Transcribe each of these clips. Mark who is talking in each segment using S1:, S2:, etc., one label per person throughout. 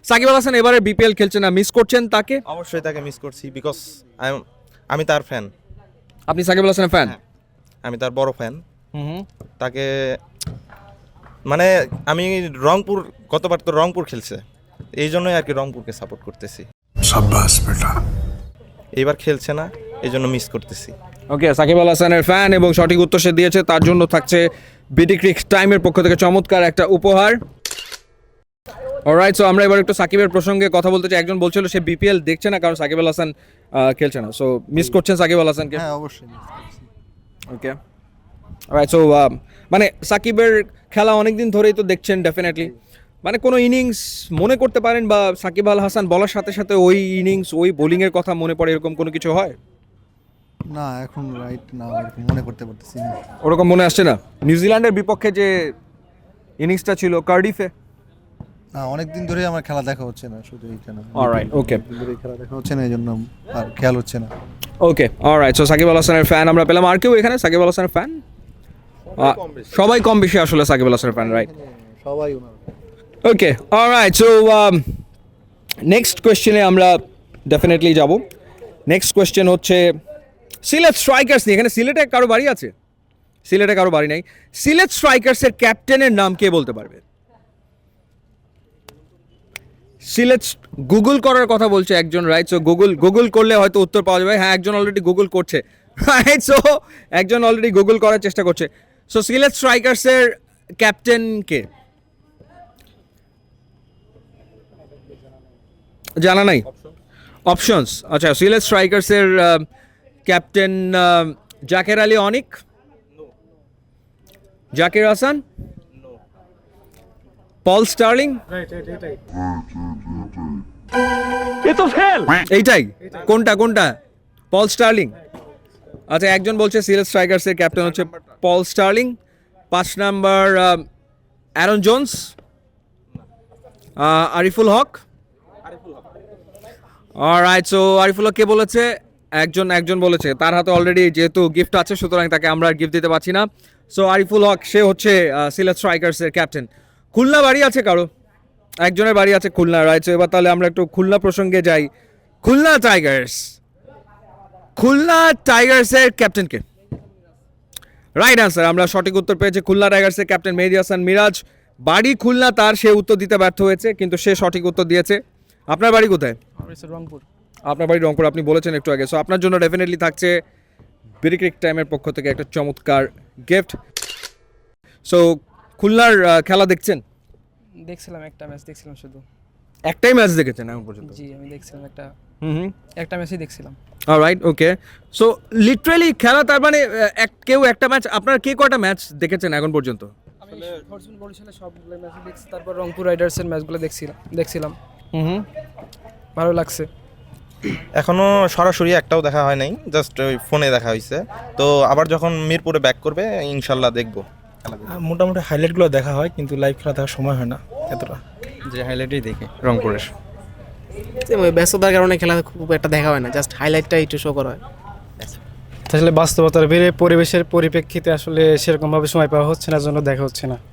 S1: সাকিব আল হাসান এবারে বিপিএল খেলছে না, মিস করছেন তাকে?
S2: অবশ্যই তাকে মিস করছি, বিকজ আমি তার ফ্যান।
S1: আপনি সাকিব আল হাসানের ফ্যান?
S2: আমি তার বড় ফ্যান। তাকে মানে আমি রংপুর, গতবার তো রংপুর খেলছে, এই জন্যই আর কি রংপুরকে সাপোর্ট করতেছি।
S3: শাবাশ বেটা।
S2: এইবার খেলছে না, এই জন্য মিস করতেছি।
S1: ওকে, সাকিব আল হাসানের ফ্যান এবং সঠিক উত্তর সে দিয়েছে, তার জন্য থাকছে বিডি ক্রিক টাইমের পক্ষ থেকে চমৎকার একটা উপহার। অলরাইট, সো আমরা এবার একটু সাকিবের প্রসঙ্গে কথা বলতে চাই। একজন বলছিল সে বিপিএল দেখছে না কারণ সাকিব আল হাসান খেলছে না, সো মিস করছেন সাকিব আল হাসানকে?
S4: হ্যাঁ অবশ্যই মিস করছি।
S1: ওকে, অলরাইট, সো মানে সাকিবের খেলা অনেকদিন ধরেই তো দেখছেন ডেফিনেটলি, মানে কোনো ইনিংস মনে করতে পারেন বা সাকিব আল হাসান বলার সাথে সাথে ওই ইনিংস ওই বোলিংয়ের কথা মনে পড়ে, এরকম কোনো কিছু হয়?
S4: না এখন রাইট না এরকম মনে করতে পারতেছি না।
S1: ওরকম মনে আসছে না? নিউজিল্যান্ডের বিপক্ষে যে ইনিংসটা ছিল কার্ডিফে?
S4: না অনেকদিন ধরে আমার খেলা দেখা হচ্ছে না, শুধু এইটা না।
S1: অলরাইট, ওকে,
S4: অনেকদিন ধরে খেলা দেখা হচ্ছে না, এই জন্য আর খেয়াল হচ্ছে না।
S1: Okay, alright, so Shakib Al হাসানের ফ্যান আমরা পেলাম। আর কেউ এখানে সাকিব আল হাসানের ফ্যান? সবাই কম বেশি আসলে সাকিব আল হাসানের ফ্যান, রাইট?
S4: সবাই ওনার।
S1: ওকে, অলরাইট, সো নেক্সট কোয়েশ্চেনে আমরা ডেফিনেটলি যাব। নেক্সট কোয়েশ্চেন হচ্ছে সিলেট স্ট্রাইকার্স নিয়ে। এখানে সিলেটে কারো বাড়ি আছে? সিলেটে কারো বাড়ি নাই। সিলেট স্ট্রাইকার্সের ক্যাপ্টেনের নাম কে বলতে পারবে? সিলেট, গুগল করার কথা বলছে একজন, রাইট? সো গুগল করলে হয়তো উত্তর পাওয়া যাবে। হ্যাঁ, একজন অলরেডি গুগল করছে, রাইট? সো একজন অলরেডি গুগল করার চেষ্টা করছে। সো সিলেট স্ট্রাইকার্সের ক্যাপ্টেন কে? জানা নাই? অপশনস, আচ্ছা, সিলেট স্ট্রাইকার্সের captain Zaker Ali Anik, Zakir Hasan, Paul Stirling. এইটাই? কোনটা কোনটা? Paul Stirling? আচ্ছা, একজন বলছে সিলেট স্ট্রাইকার্সের ক্যাপ্টেন হচ্ছে Paul Stirling. 5 number Aaron Jones, Ariful Haque. Alright, so Ariful Haque কে বলেছে? একজন বলেছে, তার হাতে অলরেডি যেহেতু গিফট আছে সুতরাং তাকে আমরা আর গিফট দিতে পারছি না। সো আরিফুল হক সে হচ্ছে সিলেট স্ট্রাইকার্সের ক্যাপ্টেন। খুলনা বাড়ি আছে কারো? একজনের বাড়ি আছে খুলনা, রাইট? সো এবার তাহলে আমরা একটু খুলনা প্রসঙ্গে যাই। খুলনা টাইগার্সের ক্যাপ্টেন কে? রাইট আনসার, আমরা সঠিক উত্তর পেয়েছি। খুলনা টাইগার্সের ক্যাপ্টেন মেহেদী হাসান মিরাজ। বাড়ি খুলনা তার, সে উত্তর দিতে ব্যর্থ হয়েছে কিন্তু সে সঠিক উত্তর দিয়েছে। আপনার বাড়ি কোথায়?
S5: রংপুর।
S1: আপনার বাড়ি রংপুর, আপনি বলেছেন একটু আগে। সো আপনার জন্য ডেফিনেটলি থাকছে বিডি ক্রিক টাইমের পক্ষ থেকে একটা চমৎকার গিফট। সো খুলনার খেলা দেখছেন?
S5: দেখছিলাম, একটা ম্যাচ দেখছিলাম শুধু।
S1: একটাই ম্যাচ দেখেছেন এখন পর্যন্ত?
S5: জি, আমি দেখছিলাম
S1: হুম,
S5: একটা ম্যাচই দেখছিলাম।
S1: অলরাইট, ওকে। সো লিটারালি খেলা তার মানে কেউ একটা ম্যাচ, আপনার কে কয়টা ম্যাচ দেখেছেন এখন পর্যন্ত?
S5: আমি ফরচুন বরিশালের সবগুলো ম্যাচই দেখছি, তারপর রংপুর রাইডার্সের ম্যাচগুলো দেখছিলাম। ভালো লাগছে।
S2: এখনো সরাসরি একটাও দেখা হয় নাই, জাস্ট ওই ফোনে দেখা হয়েছে। তো আবার যখন মিরপুরে ব্যাক করবে ইনশাল্লাহ দেখবো।
S6: মোটামুটি হাইলাইটগুলো দেখা হয়, কিন্তু লাইভ খেলা দেখার সময় হয় না এতটা।
S7: যে হাইলাইটই দেখি রংপুরের।
S8: ব্যস্ততার কারণে খেলা খুব একটা দেখা হয় না, জাস্ট হাইলাইটটা একটু শো করা হয়।
S6: আসলে বাস্তবতার বেড়ে পরিবেশের পরিপ্রেক্ষিতে আসলে সেরকমভাবে সময় পাওয়া হচ্ছে না, জন্য দেখা হচ্ছে না।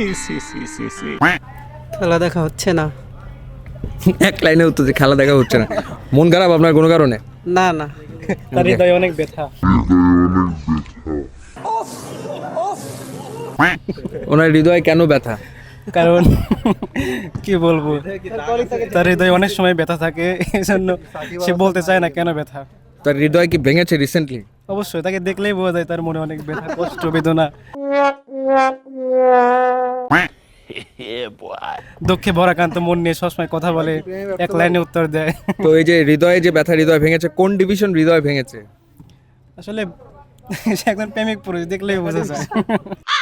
S8: খেলা দেখা হচ্ছে না।
S1: এক লাইনে উত্তর যে খেলা দেখা হচ্ছে না। মন খারাপ আপনার কোনো কারণে?
S8: না না,
S6: তার হৃদয়ে অনেক ব্যথা।
S1: ওনার হৃদয়ে কেন ব্যথা?
S6: কারণ কি বলবো, তার হৃদয়ে অনেক সময় ব্যথা থাকে, এই জন্য সে বলতে চায় না কেন ব্যথা।
S1: তার হৃদয় কি ভেঙেছে রিসেন্টলি?
S6: অবশ্যই, তাকে দেখলেই বোঝা যায় তার মনে অনেক ব্যথা, কষ্ট, বেদনা, দুঃখে ভরাক্রান্ত মন নিয়ে সবসময় কথা বলে, এক লাইনে উত্তর দেয়।
S1: তো এই যে হৃদয়ে যে ব্যথা, হৃদয় ভেঙেছে, কোন ডিভিশন হৃদয় ভেঙেছে?
S6: আসলে সে একজন প্রেমিক পুরুষ, দেখলেই বোঝা যায়।